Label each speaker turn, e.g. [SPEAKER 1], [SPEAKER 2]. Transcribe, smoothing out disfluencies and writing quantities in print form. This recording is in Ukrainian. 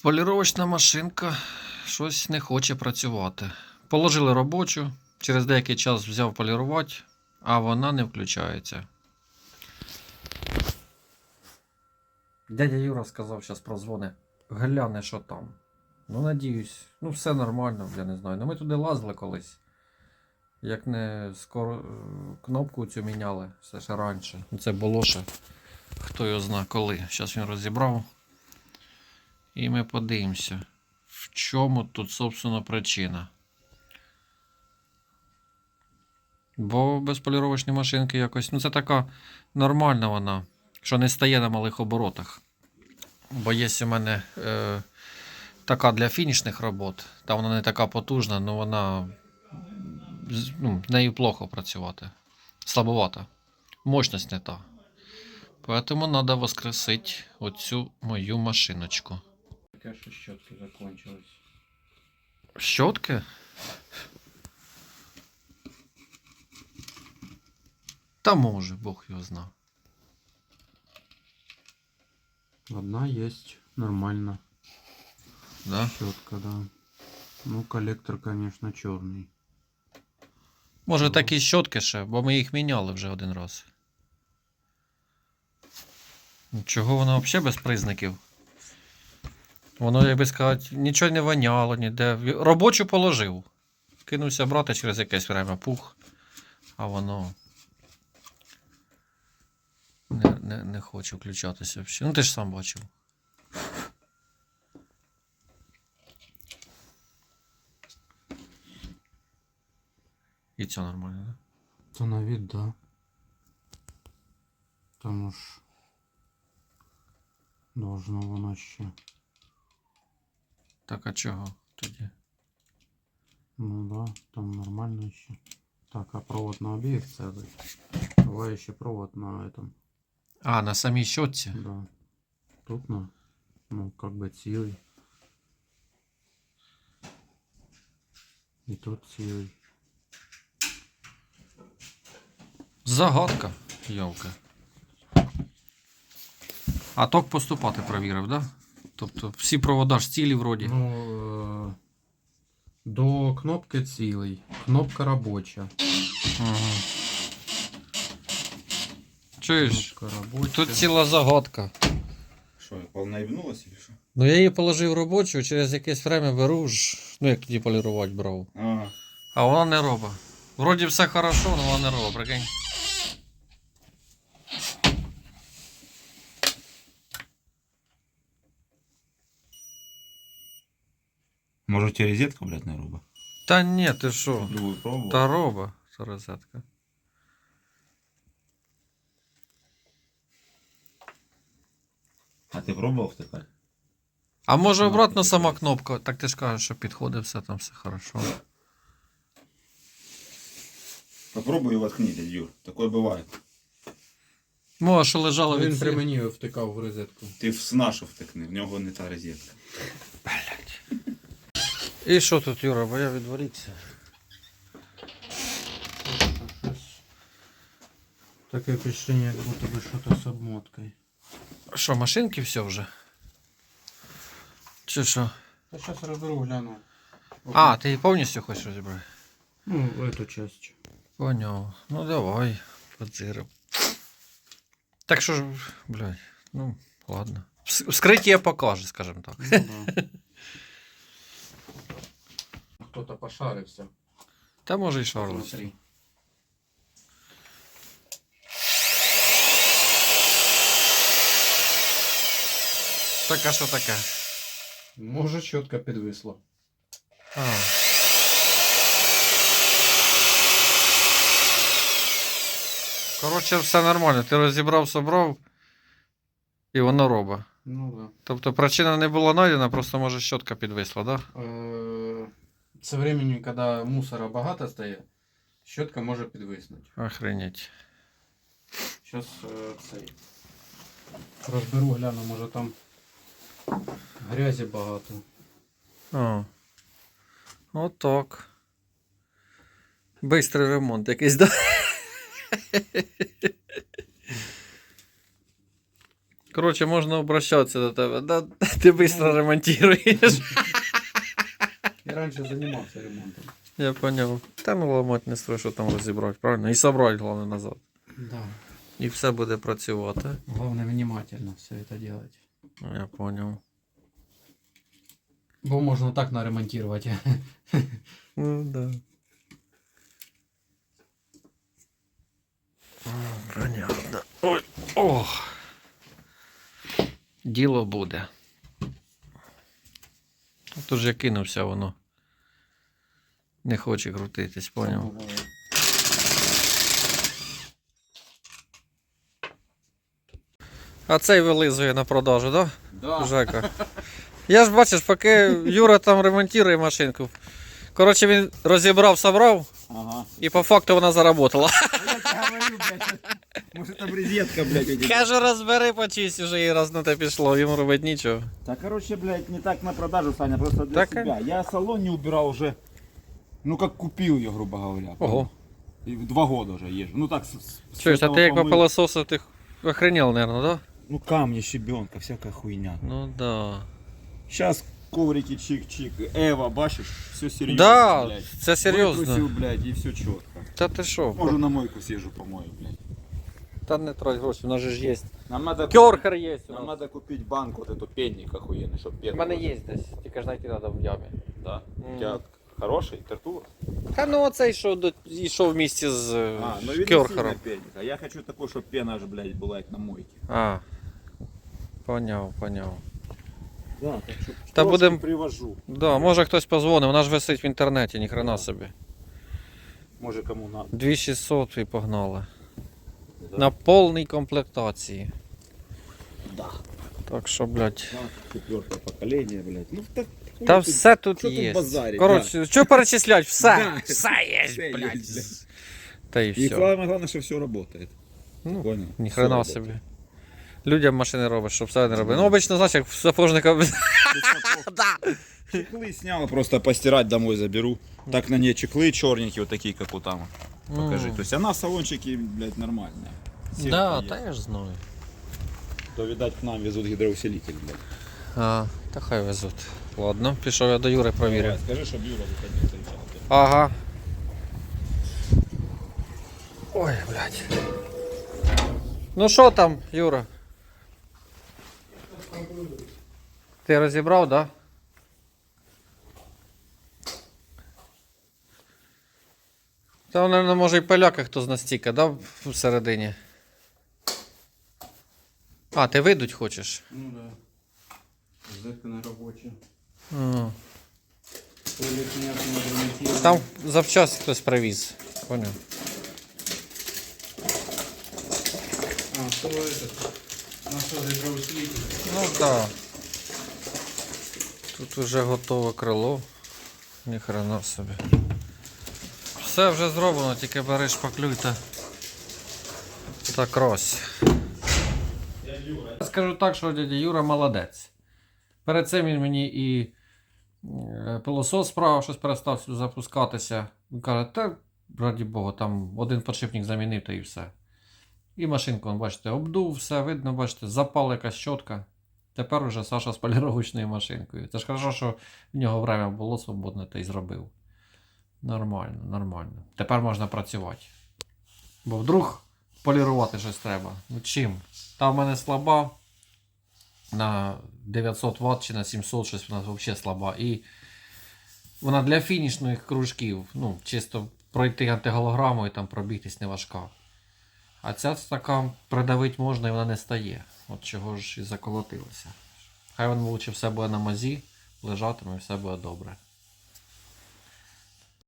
[SPEAKER 1] Поліровочна машинка щось не хоче працювати. Положили робочу, через деякий час взяв полірувати, а вона не включається. Дядя Юра сказав, зараз прозвони. Гляне, що там. Ну, надіюсь, все нормально, я не знаю. Ми туди лазили колись. Як не скоро кнопку цю міняли, все ще раніше. Це було ще, хто його знає коли. Зараз він розібрав. І ми подивимося, в чому тут, собственно, причина. Бо без поліровочної машинки якось, це така нормальна вона, що не стає на малих оборотах. Бо є у мене така для фінішних робот, та вона не така потужна, але вона, нею плохо працювати. Слабовата. Мощність не та. Поэтому треба воскресити оцю мою машиночку.
[SPEAKER 2] Таке, що щотки закончились.
[SPEAKER 1] Щотки? Та може, Бог його знає.
[SPEAKER 2] Одна есть, нормально.
[SPEAKER 1] Да?
[SPEAKER 2] Щетка, да. Ну, коллектор, конечно, черный.
[SPEAKER 1] Може такі щотки ще, бо ми їх міняли вже один раз. Чого воно взагалі без признаків? Воно, як би сказати, нічого не воняло, ніде. Робочу положив. Кинувся брати через якесь время, пух. А воно не хоче включатися взагалі. Ти ж сам бачив. І це нормально, да?
[SPEAKER 2] То на вид, да. Там уж должно воно ще.
[SPEAKER 1] Так, а чого тоді?
[SPEAKER 2] Ну да, там нормально еще. Так, а провод на обеих целый. Давай еще провод на этом.
[SPEAKER 1] А, на самій щотці?
[SPEAKER 2] Да. Тут на, ну, как бы цілий. И тут цілий.
[SPEAKER 1] Загадка, йолка. А ток поступати провірив, да? Тобто всі провода ж цілі вроді.
[SPEAKER 2] Ну, до кнопки цілий. Кнопка робоча.
[SPEAKER 1] Ага. Чуєш?
[SPEAKER 2] Кнопка робоча.
[SPEAKER 1] Тут ціла загадка.
[SPEAKER 3] Що, полнаїбнулась или що?
[SPEAKER 1] Ну я її положив робочу, через якесь время беру ж, як тоді полірувати брав.
[SPEAKER 3] Ага.
[SPEAKER 1] А вона не робить. Вроді все хорошо, але вона не робить, прикинь.
[SPEAKER 3] Може у тебе розетка, блядь, не робить?
[SPEAKER 1] Та ні, ти що?
[SPEAKER 3] Другую пробував?
[SPEAKER 1] Та робить, це розетка.
[SPEAKER 3] А ти пробував тепер?
[SPEAKER 1] А може
[SPEAKER 3] Ну,
[SPEAKER 1] обратно
[SPEAKER 3] ти
[SPEAKER 1] сама
[SPEAKER 3] кажеш.
[SPEAKER 1] кнопка, так ти ж кажеш, що підходить, все там все хорошо.
[SPEAKER 3] Попробуй воткни, дядь Юр. Такое буває.
[SPEAKER 1] Може, що лежало від
[SPEAKER 2] Він при
[SPEAKER 1] всіх.
[SPEAKER 2] мені втикав в розетку.
[SPEAKER 3] Ти в нашу втикни, в нього не та розетка.
[SPEAKER 1] І що тут, Юра, бо я відволікся.
[SPEAKER 2] Таке впечатление, як будто би щось з обмоткою.
[SPEAKER 1] Що, машинки все вже? Чи що?
[SPEAKER 2] Я зараз розберу, гляну.
[SPEAKER 1] А, ти її повністю хочеш розібрати?
[SPEAKER 2] Ну, эту часть.
[SPEAKER 1] Поняв. Ну давай, подзирив. Так що ж, блядь, ладно. Вскриття покаже, скажімо так.
[SPEAKER 2] Ну, да. Хто-то пошарився.
[SPEAKER 1] Та може і шарлось.
[SPEAKER 2] Смотри.
[SPEAKER 1] Так, а що таке?
[SPEAKER 2] Може, чітко підвисло.
[SPEAKER 1] А. Коротше, все нормально. Ти розібрав, собрав, і воно робить.
[SPEAKER 2] Ну да.
[SPEAKER 1] Тобто причина не була знайдена, просто може щотка підвисла, так? Да?
[SPEAKER 2] Со временем, коли мусора багато стає, щотка може підвиснути.
[SPEAKER 1] Охренеть.
[SPEAKER 2] Зараз цей. Розберу, гляну, може там грязі багато.
[SPEAKER 1] О. Отак. Бистрий ремонт якийсь, да? Коротше, можна обращатися до тебе. Да, ти швидко ремонтуєш.
[SPEAKER 2] Я раніше займався ремонтом.
[SPEAKER 1] Я поняв. Та ну ламати не строй, що там розібрати, правильно? І собрати, головне, назад.
[SPEAKER 2] Да.
[SPEAKER 1] І все буде працювати.
[SPEAKER 2] Главное внимательно все это делать.
[SPEAKER 1] Я поняв.
[SPEAKER 2] Бо можно так наремонтировать.
[SPEAKER 1] Ну, да. Понятно. Ой, ох. Діло буде. Тут ж я кинувся, воно не хоче крутитись, поняв? А цей вилизує на продажу, так? Да?
[SPEAKER 3] Да.
[SPEAKER 1] Жека. Я ж бачиш, поки Юра там ремонтує машинку. Коротше, він розібрав, собрав,
[SPEAKER 3] Ага.
[SPEAKER 1] і по факту вона заработала.
[SPEAKER 3] Я тебе говорю, блядь. Может там розетка, блядь.
[SPEAKER 1] Каже, розбери, почисть, уже і раз на те пішло, йому робити нічого.
[SPEAKER 3] Да, короче, блядь, не так на продажу, Саня, просто для
[SPEAKER 1] Так,
[SPEAKER 3] себя. Я салон не убирал уже, ну как купил ее, грубо говоря.
[SPEAKER 1] Ого.
[SPEAKER 3] И 2 года уже езжу. Ну так,
[SPEAKER 1] Чуєш, а
[SPEAKER 3] этого
[SPEAKER 1] ти як
[SPEAKER 3] помыл.
[SPEAKER 1] по пилососу, ти охренел, наверное, да?
[SPEAKER 3] Ну камни, щебенка, всякая хуйня.
[SPEAKER 1] Ну да.
[SPEAKER 3] Сейчас коврики чик-чик. Эва, бачишь, все серьезно,
[SPEAKER 1] Да,
[SPEAKER 3] блядь.
[SPEAKER 1] це серйозно.
[SPEAKER 3] Вытрусил, блядь, и все четко.
[SPEAKER 1] Та ти що?
[SPEAKER 3] Может на мойку съезжу, помою, блядь.
[SPEAKER 1] Та не трать гроші, у нас же ж є.
[SPEAKER 3] Нам надо,
[SPEAKER 1] Кьорхер є.
[SPEAKER 3] нам надо купить банк вот эту пенник охуенный, чтобы пену.
[SPEAKER 1] У мене є десь, тільки ж знайти треба в ямі.
[SPEAKER 3] Да?
[SPEAKER 1] Мгм.
[SPEAKER 3] У тебя хороший, тертур?
[SPEAKER 1] Та ну оцей, що йшов в місті з
[SPEAKER 3] ну видно
[SPEAKER 1] Кьорхером.
[SPEAKER 3] сильно пенник. А я хочу такой, чтобы пена аж, блядь, была как на мойке.
[SPEAKER 1] А, поняв.
[SPEAKER 3] Да, так что
[SPEAKER 1] Та
[SPEAKER 3] трошки
[SPEAKER 1] будем-
[SPEAKER 3] привожу.
[SPEAKER 1] Да, може хтось позвонив, вона ж висить в інтернеті, ніхрена собі.
[SPEAKER 3] Может кому надо.
[SPEAKER 1] 2600 і погнали.
[SPEAKER 3] Да.
[SPEAKER 1] На повній комплектації.
[SPEAKER 3] Да.
[SPEAKER 1] Так що, блядь.
[SPEAKER 3] Да, 4-е поколение, блядь. Ну так. хуй
[SPEAKER 1] Та
[SPEAKER 3] тут-
[SPEAKER 1] все тут
[SPEAKER 3] що тут
[SPEAKER 1] є.
[SPEAKER 3] базарить,
[SPEAKER 1] Коротше, що перечислять? Все.
[SPEAKER 3] Да.
[SPEAKER 1] Все є,
[SPEAKER 3] Все
[SPEAKER 1] блядь.
[SPEAKER 3] є, блядь.
[SPEAKER 1] Та і
[SPEAKER 3] И
[SPEAKER 1] все.
[SPEAKER 3] самое главное, что все работает.
[SPEAKER 1] Ну,
[SPEAKER 3] Понял?
[SPEAKER 1] ніхрена
[SPEAKER 3] Всё
[SPEAKER 1] собі.
[SPEAKER 3] работает.
[SPEAKER 1] Людям машини робиш, щоб все не робили. Ну, обично, знаєш, як в сапожника.
[SPEAKER 3] Чехлы снял, просто постирать домой заберу. Так на ней чехлы черненькие, вот такие, как у там. Покажи. То есть она в салончике, блядь, нормальная. Сетка
[SPEAKER 1] Да,
[SPEAKER 3] есть.
[SPEAKER 1] та я ж знаю.
[SPEAKER 3] То, видать, к нам везут гидроусилитель, блядь.
[SPEAKER 1] А, та хай везуть. Ладно, пішов я до Юри провірю.
[SPEAKER 3] Давай, скажи, чтобы Юра выходил, встречал.
[SPEAKER 1] Ага. Ой, блядь. Ну що там, Юра? Ти розібрав, да? Там, мабуть, може і поляка хто з настіка, да? Всередині. А, ти видуть хочеш?
[SPEAKER 2] Ну да. Зэка на рабочий.
[SPEAKER 1] А.
[SPEAKER 2] Туалет нет, не ремонтирован.
[SPEAKER 1] Там завчасно хтось привіз. Поняв.
[SPEAKER 2] А, что этот? Нашел гидроусилитель.
[SPEAKER 1] Ну так. Да. Тут вже готове крило. Ніхрена собі. Все вже зроблено, тільки бери шпаклюй та крось. Скажу так, що дядя Юра молодець. Перед цим він мені і пилосос справа щось перестав запускатися. Він каже, та раді Бога, там один подшипник замінив та і все. І машинку, бачите, обдув, все видно, бачите, запала якась щотка. Тепер уже Саша з поліровочною машинкою. Це ж хорошо, що в нього время було свободне, та й зробив. Нормально. Тепер можна працювати. Бо вдруг полірувати щось треба. Ну чим? Та в мене слаба на 900 Вт чи на 700, щось вона взагалі слаба. І вона для фінішних кружків, ну, чисто пройти антиголограму і там пробігтись не важка. А ця така придавити можна і вона не стає. От чого ж і заколотилося. Хай він лучше все буде на мазі, лежатиме і все буде добре.